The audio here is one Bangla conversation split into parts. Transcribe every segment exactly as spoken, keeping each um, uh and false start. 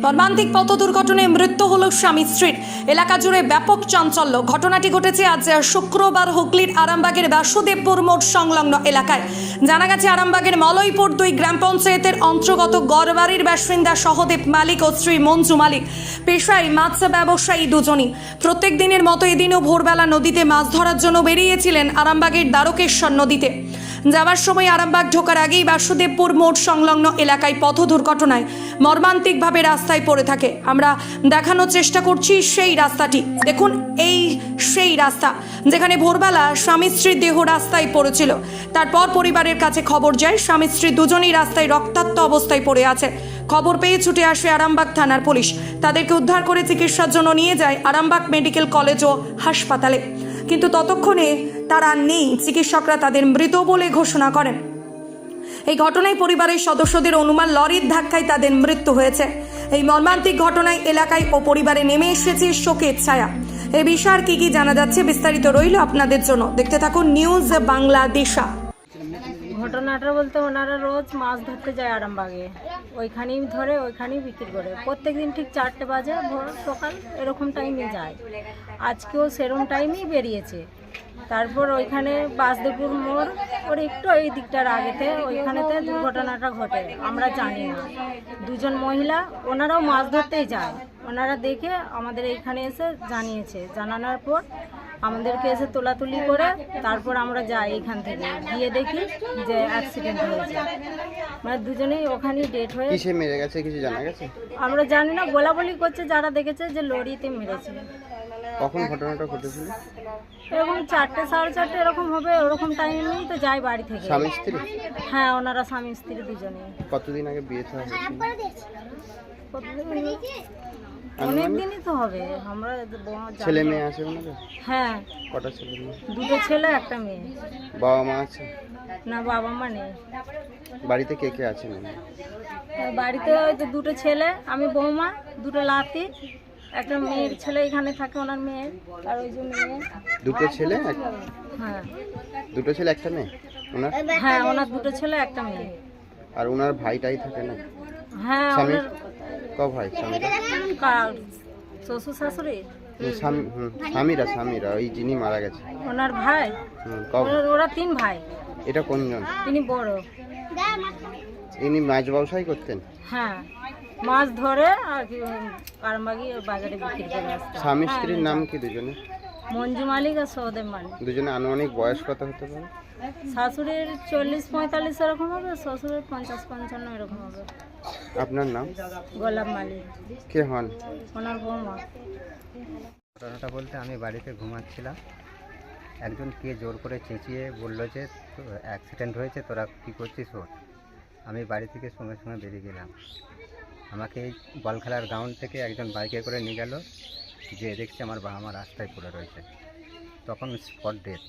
মর্মান্তিক পথ দুর্ঘটনায় মৃত্যু হল স্বামী স্ত্রীর। এলাকা জুড়ে ব্যাপক চাঞ্চল্য। ঘটনাটি ঘটেছে আজ শুক্রবার হুগলির আরামবাগের বাসুদেবপুর মোড় সংলগ্ন এলাকায়। জানা গেছে আরামবাগের মলয়পুর দুই গ্রাম পঞ্চায়েতের অন্তর্গত গড়বাড়ির বাসিন্দা সহদেব মালিক ও স্ত্রী মঞ্জু মালিক পেশায় মাছ ব্যবসায়ী দুজনই। প্রত্যেক দিনের মতো এদিনও ভোরবেলা নদীতে মাছ ধরার জন্য বেরিয়েছিলেন আরামবাগের দ্বারকেশ্বর নদীতে। যাওয়ার সময় আরামবাগ ঢোকার আগেই বাসুদেবপুর মোড় সংলগ্ন এলাকায় পথ দুর্ঘটনায় মর্মান্তিকভাবে রাস্তায় পড়ে থাকে। আমরা দেখানোর চেষ্টা করছি সেই রাস্তাটি। দেখুন, এই সেই রাস্তা যেখানে ভোরবেলা স্বামী স্ত্রীর দেহ রাস্তায় পড়েছিল। তারপর পরিবারের কাছে খবর যায় স্বামী স্ত্রী দুজনেই রাস্তায় রক্তাক্ত অবস্থায় পড়ে আছে। খবর পেয়ে ছুটে আসে আরামবাগ থানার পুলিশ। তাদেরকে উদ্ধার করে চিকিৎসার জন্য নিয়ে যায় আরামবাগ মেডিকেল কলেজ ও হাসপাতালে, কিন্তু ততক্ষণে তারা নেই। চিকিৎসকরা তাদের মৃত বলে ঘোষণা করেন। এই ঘটনায় পরিবারের সদস্যদের অনুমান লরির ধাক্কায় তাদের মৃত্যু হয়েছে। এই মর্মান্তিক ঘটনায় এলাকায় ও পরিবারে নেমে এসেছে শোকের ছায়া। এ বিষয়ে কি কি জানা যাচ্ছে বিস্তারিত রইল আপনাদের জন্য। দেখতে থাকুন নিউজ বাংলাদেশা। ঘটনাটা বলতে ওনারা রোজ মাছ ধরতে যায় আরামবাগে, ওইখানেই ধরে ওইখানেই বিক্রি করে। প্রত্যেক দিন ঠিক চারটে বাজে ভোর সকাল এরকম টাইমে যায়। আজকেও সেরকম টাইমেই বেরিয়েছে। তারপর ওইখানে বাসদেবপুর মোড় ওর একটু এই দিকটার আগেতে ওইখানেতে দুর্ঘটনাটা ঘটে। আমরা জানি না, দুজন মহিলা ওনারাও মাছ ধরতেই যায়। ওনারা দেখে আমাদের এইখানে এসে জানিয়েছে। জানানোর পর আমাদেরকে এসে তোলাতুলি করে তারপর আমরা যাই এখান থেকে, গিয়ে দেখি যে অ্যাক্সিডেন্ট হয়েছে। মানে দুজনেই ওখানেই ডেথ হয়ে কিসে মেরে গেছে কিছু জানা গেছে? আমরা জানি না, বলা বলি করছে যারা দেখেছে যে লরিতে মেরেছে। কখন ঘটনাটা ঘটেছিল? এরকম চারটে সাড়ে চারটে এরকম হবে, ওরকম টাইমেই তো যাই বাড়ি থেকে। স্বামী স্ত্রী? হ্যাঁ, ওনারা স্বামী স্ত্রী দুজনে। কতদিন আগে বিয়ে থা হয়েছিল? অনেক দিনই তো হবে। আমরা ছেলে মেয়ে আছে ওনাদের? হ্যাঁ, কটা ছেলে মেয়ে? দুটো ছেলে একটা মেয়ে। বাবা মা আছে? না, বাবা মা নেই। বাড়িতে কে কে আছেন? বাড়িতে ওই যে দুটো ছেলে, আমি বৌমা, দুটো লাতি, একটা মেয়ের ছেলে এখানে থাকে, ওনার মেয়ে, আর ওই যে মেয়ে। দুটো ছেলে? হ্যাঁ, দুটো ছেলে একটা মেয়ে ওনার? হ্যাঁ, ওনার দুটো ছেলে একটা মেয়ে। আর ওনার ভাইটাই থাকে না? হ্যাঁ, স্বামী ওনার ক ভাই? স্বামীরা? কার শ্বশুর শাশুড়ি? স্বামী হুম স্বামীরা স্বামীরা ওই যিনি মারা গেছে ওনার ভাই? হুম ক ভাই? ওরা তিন ভাই। এটা কোনজন? তিনি বড়। ইনি মাছ ব্যবসায় করতেন? হ্যাঁ, মাছ ধরে আর কি আরামবাগি বাজারে বিক্রি করে আসতে। স্বামী স্ত্রীর নাম কি দুজনে? মঞ্জু মালিক আর সহদেব মালিক। দুজনে আনুমানিক বয়স কত হতে পারে? শাশুড়ির চল্লিশ পঁয়তাল্লিশ এরকম হবে, শ্বশুরের পঞ্চাশ পঞ্চান্ন এরকম হবে। আপনার নাম? গোলাপ মালিক। কে হন? ওনার বৌমা। ঘটনাটা বলতে আমি বাড়িতে ঘুমাচ্ছিলাম, একজন কে জোর করে চেঁচিয়ে বললো যে অ্যাক্সিডেন্ট হয়েছে, তোরা কী করছিস ওর। আমি বাড়ি থেকে সঙ্গে সঙ্গে বেরিয়ে গেলাম। আমাকে এই বল খেলার গ্রাউন্ড থেকে একজন বাইকে করে নিয়ে গেল, যে দেখছি আমার বাবা মা রাস্তায় পড়ে রয়েছে। তখন স্পট ডেথ।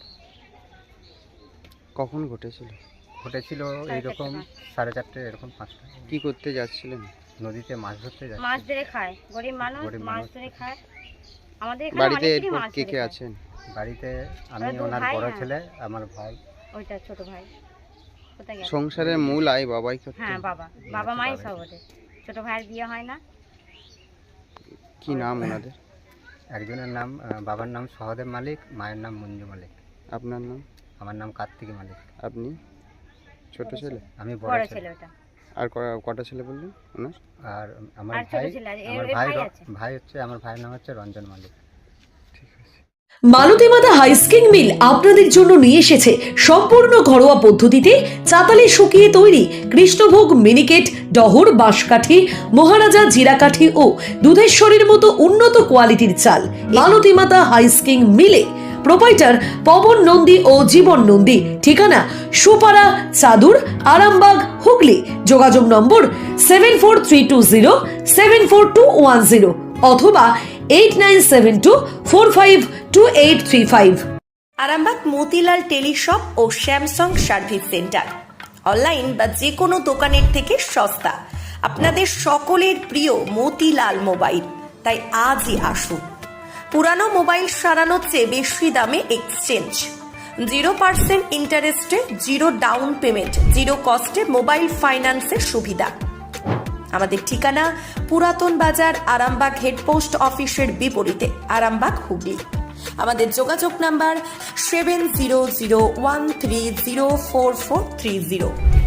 কখন ঘটেছিল? ঘটেছিল এইরকম সাড়ে চারটে এরকম পাঁচটা। কি করতে যাচ্ছিলেন? নদীতে মাছ ধরতে যাচ্ছি। মাছ ধরে খায়, গরিব মানুষ গরিব মাছ মানুষ। ধরে খায়। আমাদের এখানে বাড়িতে অনেকেরই এরপর মাছ কে ধরে কে খায়। আছেন? বাড়িতে আমি, ওরা দু ওনার ভাই, বড় হ্যাঁ। ছেলে, আমার ভাই। ওইটা ছোট ভাই কোথায় গেল? সংসারের মূল আয় বাবাই করতেন? হ্যাঁ, বাবা বাবা মাই সব ওদের। ছোট ভাইয়ের বিয়ে হয় না। কি নাম ওনাদের? একজনের নাম আহ, বাবার নাম সহদেব মালিক, মায়ের নাম মঞ্জু মালিক। আপনার নাম? আমার নাম কার্তিক মালিক। আপনি ছোট ছেলে? আমি বড় বড় ছেলে ছেলে। ওটা। আর ক- কটা ছেলে বললেন ওনার? আর আমার আর ছোট ভাই, ছেলে আছে, এর- আমার এর ভাই ভাই র- আছে। ভাই হচ্ছে আমার ভাইয়ের নাম হচ্ছে রঞ্জন মালিক। মালতীমাতা হাইস্কিং মিল আপনাদের জন্য নিয়ে এসেছে সম্পূর্ণ ঘরোয়া পদ্ধতিতে চাতালে শুকিয়ে তৈরি কৃষ্ণভোগ মিনিকেট, ডহর, বাঁশকাঠি, মহারাজা জিরাকাঠি ও দুধেশ্বরীর মতো উন্নত কোয়ালিটির চাল। মালতীমাতা হাইস্কিং মিলে প্রোপাইটার পবন নন্দী ও জীবন নন্দী। ঠিকানা সুপারা, চাদুর, আরামবাগ, হুগলি। যোগাযোগ number seven four three two zero seven four two one zero অথবা eight nine seven two four five two eight three five. Arambagh Motilal teleshop ও স্যামসাং সার্ভিস সেন্টার অনলাইন বা যে কোনো দোকানের থেকে সস্তা। আপনাদের সকলের প্রিয় মতিলাল মোবাইল, তাই আজই আসুন। পুরানো মোবাইল সারানোর চেয়ে বেশি দামে এক্সচেঞ্জ, জিরো পার্সেন্ট ইন্টারেস্টে, জিরো ডাউন পেমেন্ট, জিরো কস্টে মোবাইল ফাইন্যান্সের সুবিধা। আমাদের ঠিকানা পুরাতন বাজার, আরামবাগ হেডপোস্ট অফিসের বিপরীতে, আরামবাগ, হুগলি। আমাদের যোগাযোগ number seven zero zero one three zero four four three zero.